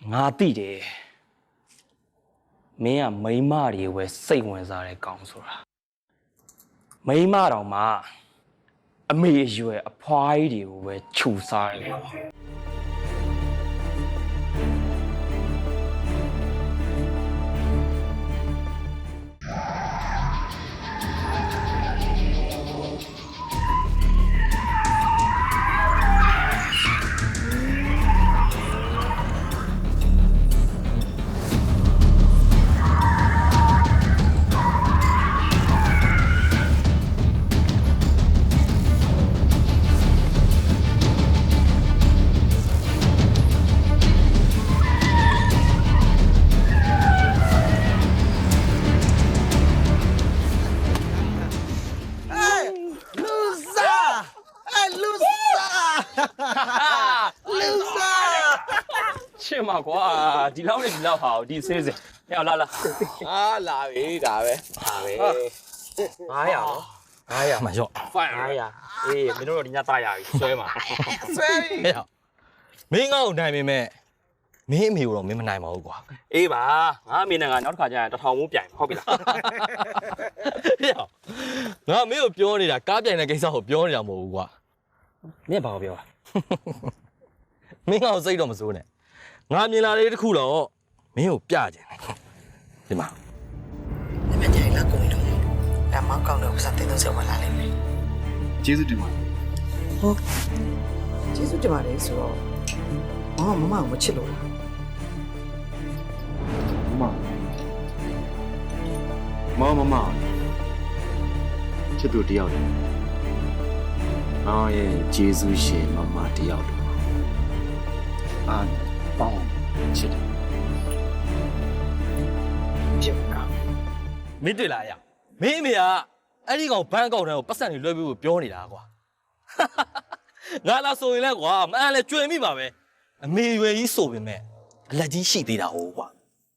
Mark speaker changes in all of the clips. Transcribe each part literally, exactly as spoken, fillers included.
Speaker 1: ငါသိတယ်မင်းကမိန်းမတွေဝယ်စိတ်ဝင်စားတဲ့ကောင်ဆိုတာမိန်းမတော်မှာအမေအရွယ်အဖွားကြီးတွေကိုပဲခြူစားတယ်ချစ်မှာကွာဒီလောက်နဲ့ဒီလောက်ဟာဒီစင်းစင်ဟဲ့လာလာ
Speaker 2: အာလာပြီဒါပဲဒါပဲ
Speaker 1: ငါးရာနော်ငါးရာမှာရော့ငါးရာအေးမင်းတို့တော့ဒီညသားရပြီဆွဲမှာ
Speaker 2: ဆွဲပြီ
Speaker 3: ဟဲ့မင်းငါ့ကိုနိုင်ပေမဲ့မင်းအမေကိုတော့မင်းမနိုင်ပါဘူးကွာ
Speaker 1: အေးပါငါအမေနဲ့ငါနောက်တစ်ခါကျရင်တထောင်မိုးပြိုင်ဟုတ်ပြီလား
Speaker 3: ဟဲ့ငါမင်းကိုပြောနေတာကားပြိုင်တဲ့ကိစ္စကိုပြောနေတာမဟုတ်ဘူးကွာ
Speaker 1: မင်းဘာကိုပြောอ่ะ
Speaker 3: မင်းငါ့ကိုစိတ်တော့မစိုးနဲ့ငါမြင်လာတဲ့တစ်ခုတော့မင်းကိုပြကြတယ်ဒီမှာ
Speaker 4: 你们家老公一种，俺妈讲的不是对东西我哪里没？
Speaker 2: ကျေးဇူးတင်ပါ
Speaker 4: 哦，ကျေးဇူးတင်ပါတယ်ဆိုတော့မမမမမချစ်လို့လား
Speaker 2: မမမမချစ်သူတယောက်တယ်ငါရဲ့ကျေးဇူးရှင်မမတယောက်တယ်အာပေါင်းချစ်တယ်
Speaker 4: ပြတ်က
Speaker 3: မင်းတွေ့လားရမင်းအမေကအဲ့ဒီကောင်ဘန်းကောင်တန်းကိုပတ်စံတွေလွှဲပြီးပြောနေတာကွာငါလာဆိုရင်လဲကွာမအန်လဲကျွေမိပါပဲအမေရွယ်ကြီးဆိုပေမဲ့အလက်ကြီးရှိသေးတာဟုတ်ကွာ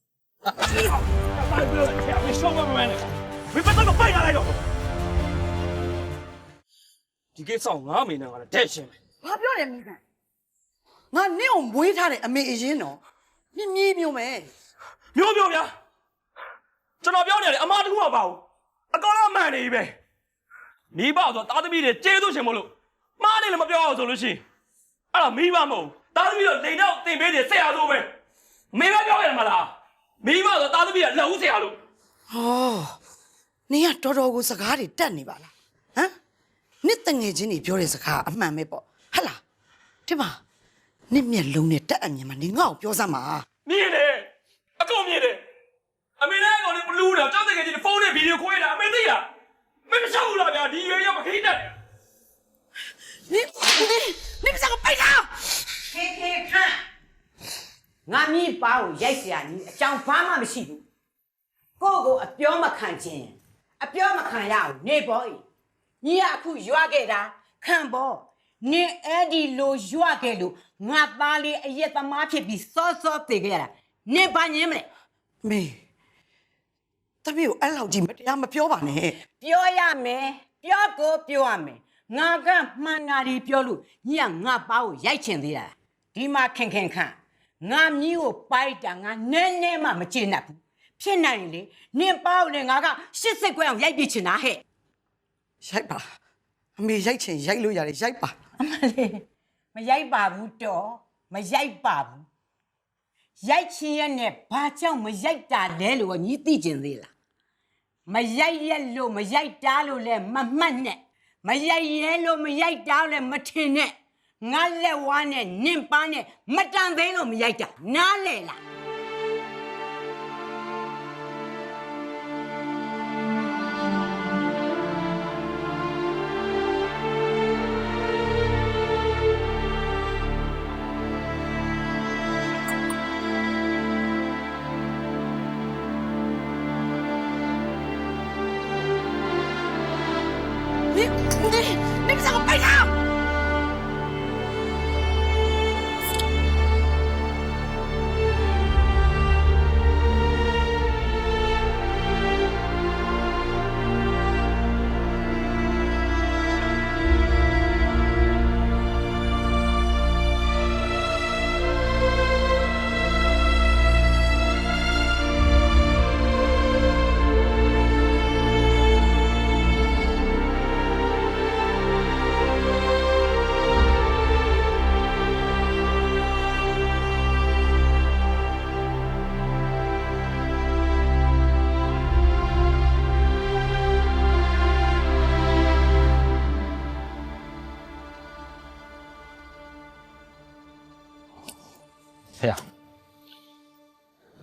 Speaker 1: ဒီကိစ္စငါအမေနဲ့ငါလည်းတဲ့ရှင်းမယ်
Speaker 4: ဘာပြောတယ်မိကငါနင့်ကိုမွေးထားတဲ့အမေအရင်တော့မြင်းမြင်းမျိုးမယ်
Speaker 1: မျိုးမျိုးဗျာကျွန်တော်ပြောနေတယ်အမတကူမပါဘူးအကောင်လုံးမှန်နေပြီပဲမိဘဆိုတာသမီးတွေကျေးဇူးရှင်မို့လို့မားနေလည်းမပြောအောင်ဆိုလို့ရှိရင်အဲ့ဒါမိဘမဟုတ်တာသမီးတော့လိန်တော့တင်ပေးတယ်ဆရာဆိုပဲမိဘပြောရတယ်မလားမိဘဆိုတာသမီးကလက်ဦးဆရာလို့
Speaker 4: ဟောနင်ကတော်တော်ကိုစကားတွေတက်နေပါလားဟမ်နစ်တငယ်ချင်းတွေပြောတဲ့စကားအမှန်ပဲပေါ့ဟဟလားဒီမှာနစ်မျက်လုံးနဲ့တက်အမြင်မှာနင်ငါ့ကိုပြောစမ်းပါ
Speaker 1: မြင်တယ်အကုန်မြင်တယ်အမေနဲ့ကောင်လေးဘလူးတော့ကြောက်တဲ့ကကြီးဖုန်းနဲ့ဗီဒီယိုခွဲတာအမေသိလားမင်းမရှောက်ဘူးလားဗျာဒီရွယ်ရောက်မခိတတ်
Speaker 4: နင်နင်နင်ကစားပိုက်လား
Speaker 5: ခေခေခန့်ငါမြည်ပါကိုရိုက်เสียကြီးအကြောင်းဘာမှမရှိဘူးကိုကိုအပြောမခံခြင်းအပြောမခံရအောင်နေပေါ်ဤညီကအခုရွာခဲ့တာခံပေါ်နင်အဲ့ဒီလိုရွာခဲ့လို့ငါသားလေးအရက်သမားဖြစ်ပြီးစောစောတည်ခဲ့ရတာနင်ဘာညင်းမလဲ
Speaker 4: မေတမီးကိုအဲ့လောက်ကြီးမတရားမပြောပါနဲ့
Speaker 5: ပြောရမယ်ပြောကိုပြောရမယ်ငါကမှန်တာဒီပြောလို့ညီကငါပါကိုရိုက်ချင်သေးတာဒီမှာခင်ခင်ခန့်ငါမြီးကိုပိုက်တာငါနည်းနည်းမှမကျေနပ်ဘူးဖြစ်နိုင်လေနင်ပါကိုလည်းငါကရှစ်စစ်ခွဲအောင်ရိုက်ပြချင်တာဟဲ့
Speaker 4: ရိုက်ပါအမေရိုက်ချင်ရိုက်လို့ရတယ်ရိုက်ပါ
Speaker 5: အမလေးမရိုက်ပါဘူးတော့မရိုက်ပါဘူးရိုက်ချင်ရနဲ့ဘာကြောင့်မရိုက်တာလဲလို့ညီသိကျင်သေးလားမရိုက်ရက်လို့မရိုက်တာလို့လဲမမှတ်နဲ့မရိုက်ရဲလို့မရိုက်တာလည်းမထင်နဲ့ငါလက်ဝါးနဲ့နင့်ပါနဲ့မတန်သေးလို့မရိုက်တာနားလေလား
Speaker 4: 你们三个背他！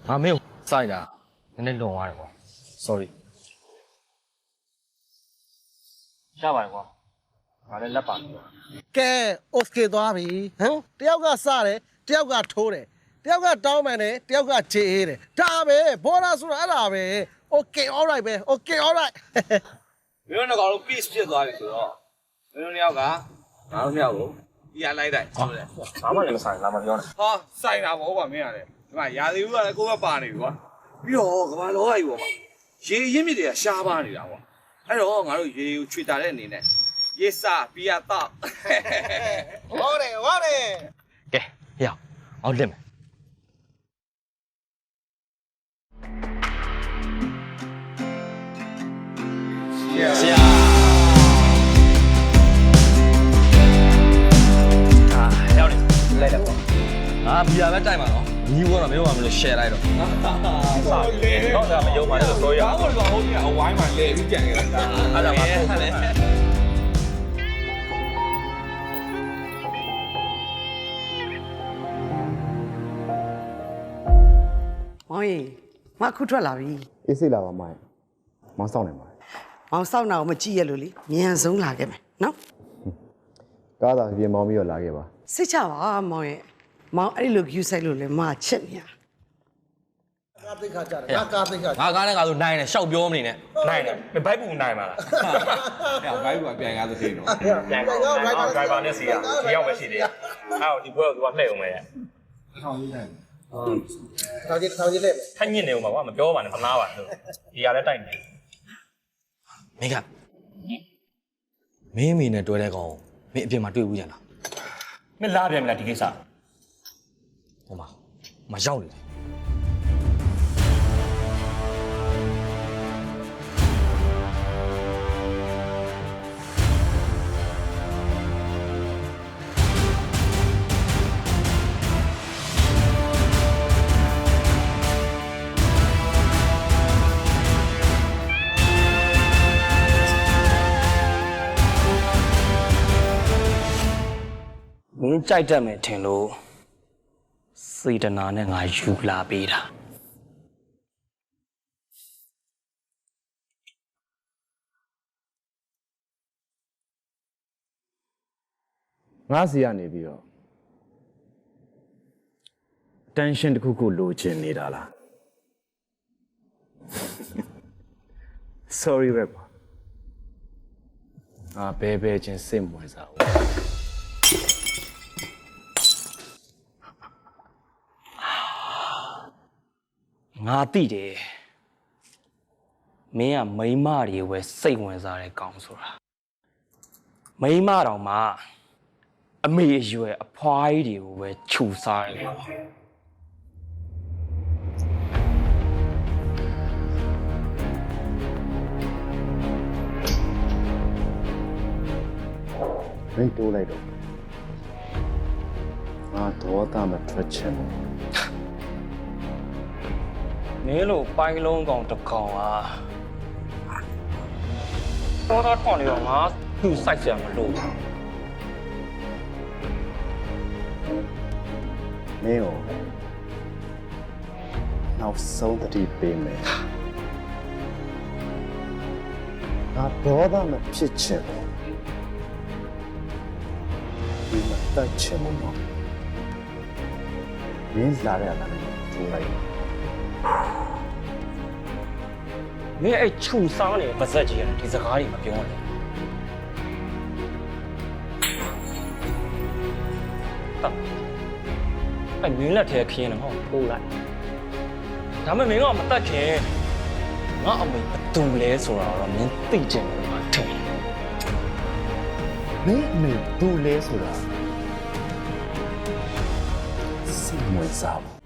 Speaker 3: ငါမင်းကိုစိုက်တာနည်းနည်းလွန်သွားတယ်ကွာ sorry ရပါတယ်ကွာငါလည်းလက်ပါပြီ
Speaker 6: ကဲ okay သွားပြီဟမ်တယောက်ကစတယ်တယောက်ကထိုးတယ်တယောက်ကတောင်းပန်တယ်တယောက်ကခြေအေးတယ်ဒါပဲဘောရာဆိုတာအဲ့ဒါပဲ okay all right ပဲ okay all right
Speaker 7: မင်းတို့ကတော့ peace ဖြစ်သွားပြီဆိုတော့မင်းတို့နှစ်ယောက်ကငါတို့နှစ်ယောက်ကိုပြရလိုက်တိုင်းဆိုတယ်
Speaker 3: ဘာမှလည်းမဆိုင်လာမပြောနဲ့
Speaker 7: ဟာစိုက်တာပေါ့ကွာမင်းရတယ်ဒီမှာရာသီဥတုကလည်းကိုယ်ကပါနေပြီကွာပြီးတော့ကမ္ဘာလောကကြီးပေါ့မှာရေရင်းမြစ်တွေကရှားပါနေတာကွာအဲ့တော့ငါတို့ရေကိုချွေတာတဲ့အနေနဲ့ရေစာပြရတော့
Speaker 6: ဟုတ်တယ်ဟုတ်တယ်
Speaker 3: ကဲရအောင်လက်မယ်ဆရာအာရောက်နေလိုက်တော့ငါဘီယာပဲတိုက်မှာနော်ညီဘောတော့မင်းတို့ကမလို့ share လိုက်တော့စလေတော့ဒါမယုံပါနဲ့ဆိုရအောင်
Speaker 7: ဘာလို့ဟိုကြီးအဝိုင်းမှာလဲပြီးကြံနေတာ
Speaker 3: အဲ့ဒါမှဟုတ်တယ်
Speaker 4: မောင်ကြီးမအခုထွက်လာပြီ
Speaker 2: အေးစိတ်လာပါမိုင်းမောင်းဆောင်နေပါ
Speaker 4: မောင်စောင့်တာကိုမကြည့်ရလို့လေမြန်ဆုံးလာခဲ့မယ်နော်
Speaker 2: ကားသာပြင်မောင်းပြီးတော့လာခဲ့ပါ
Speaker 4: စိတ်ချပါမောင်ရဲ့မောင်အဲ့ဒီလို view ဆိုင်လို့လေမချစ်နေရ
Speaker 6: ကာသိခါကြတယ်ငါကာသိခါ
Speaker 3: ငါကားနဲ့ငါဆိုနိုင်တယ်ရှောက်ပြောမနေနဲ့နိုင်တယ်မဘိုက်ဘူးနိုင်ပါလား
Speaker 7: အဲ့ဘိုင်းကပြန်ကားသတိနော်
Speaker 6: ပြန်ကောဒရိုက်ဘာနဲ့စီရ
Speaker 1: ဒီရောက်ပဲရှိသေးတယ်အဲ့တော့ဒီဘွဲကိုသူကလှည့်အောင်ပဲရဲ့
Speaker 6: ထောင်ကြီးထောင်ကြီးလက်
Speaker 1: ထက်ညစ်နေဦးမှာကွာမပြောပါနဲ့မနာပါနဲ့ဒီကလည်းတိုက်နေ
Speaker 3: မင်းကမင်းအမေနဲ့တွဲတဲ့ကောင်မင်းအပြင်မှာတွေ့ဘူးကြလား
Speaker 1: မင်းလာပြန်မလားဒီကိစ္စ
Speaker 3: ဟိုမှာမရောက်နေတယ်
Speaker 1: မင်းကြိုက်တတ်မယ်ထင်လို့စေတနာနဲ့ငါယူလာပေးတာ
Speaker 2: ငါစီကနေပြီးတော့ tension တစ်ခုခုလိုချင်နေတာလား sorry ပဲပါငါဘဲဘဲချင်းစိတ်မဝင်စားဘူး
Speaker 1: ငါသိတယ်မင်းကမိန်းမတွေပဲစိတ်ဝင်စားတဲ့ကောင်ဆိုတာမိန်းမတော်မှာအမေအရွယ်အဖွားကြီးတွေကိုပဲခြူစားတယ်ကွာ
Speaker 2: မင်းတိုးလိုက်တော့ငါတော့တာမထွက်ချင်ဘူး
Speaker 1: မင်းလိုပိုင်းလုံးကောင်တစ်ကောင်อ่ะပေါ်တော့ထွန်နေတော့ငါသူ့စိုက်ကြမလို့
Speaker 2: မင်းကိုနောက်ဆုံးတတိပေးမယ်ငါတော့တာမဖြစ်ချင်ဘူးဒီမှာတက်ချင်ဘူးနော်မင်းလာရတာလည်းထိုးလိုက်
Speaker 1: မင်းအဲ့ခြူစားနေပါဇက်ကြီးကဒီစကားတွေမပြောနဲ့ဟာအဲ့မင်းလက်ထဲခင်းနေဟောပို့လိုက်ဒါပေမဲ့မင်းကမတတ်ခင်ငါအမေဘသူလဲဆိုတာတော့မင်းသိချင်တယ်မှာထင်
Speaker 2: မင်းအမေဘူးလဲဆိုတာစိတ်ဝင်စားဘူး